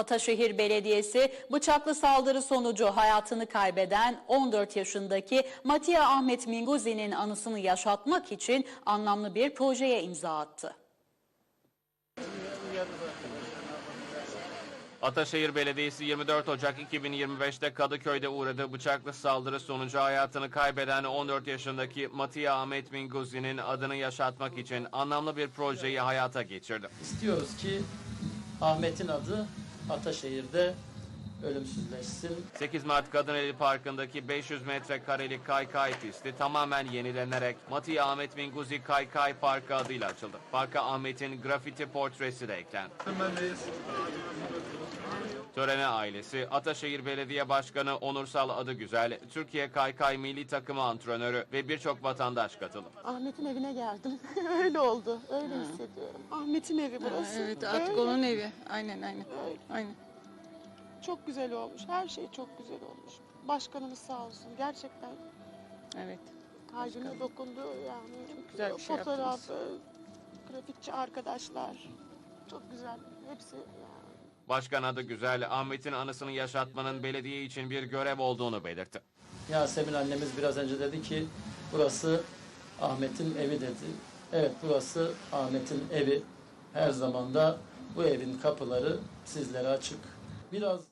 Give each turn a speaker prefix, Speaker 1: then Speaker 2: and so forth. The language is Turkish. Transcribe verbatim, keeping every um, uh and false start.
Speaker 1: Ataşehir Belediyesi bıçaklı saldırı sonucu hayatını kaybeden on dört yaşındaki Mattia Ahmet Minguzi'nin anısını yaşatmak için anlamlı bir projeye imza attı.
Speaker 2: Ataşehir Belediyesi yirmi dört Ocak iki bin yirmi beş'te Kadıköy'de uğradığı bıçaklı saldırı sonucu hayatını kaybeden on dört yaşındaki Mattia Ahmet Minguzi'nin adını yaşatmak için anlamlı bir projeyi hayata geçirdi.
Speaker 3: İstiyoruz ki Ahmet'in adı Ataşehir'de ölümsüzleşsin.
Speaker 2: sekiz Mart Kadıneli Parkı'ndaki beş yüz metrekarelik kaykay pisti tamamen yenilenerek Mattia Ahmet Minguzi Kaykay Parkı adıyla açıldı. Parka Ahmet'in grafiti portresi de eklendi. Törene ailesi, Ataşehir Belediye Başkanı Onursal Adıgüzel, Türkiye Kaykay Milli Takımı antrenörü ve birçok vatandaş katıldı.
Speaker 4: Ahmet'in evine geldim. Öyle oldu. Öyle ha. hissediyorum. Ahmet'in evi burası.
Speaker 5: Ha, evet, artık onun evi. Aynen, aynen.
Speaker 4: Öyle.
Speaker 5: Aynen.
Speaker 4: Çok güzel olmuş. Her şey çok güzel olmuş. Başkanımız sağ olsun. Gerçekten.
Speaker 5: Evet.
Speaker 4: Kalbime dokundu yani.
Speaker 5: Çok güzel bir şey
Speaker 4: Fotoğrafı, grafitçi arkadaşlar. Çok güzel. Hepsi yani.
Speaker 2: Başkan Adıgüzel, Ahmet'in anısını yaşatmanın belediye için bir görev olduğunu belirtti.
Speaker 3: Yasemin annemiz biraz önce dedi ki burası Ahmet'in evi dedi. Evet, burası Ahmet'in evi. Her zaman da bu evin kapıları sizlere açık. Biraz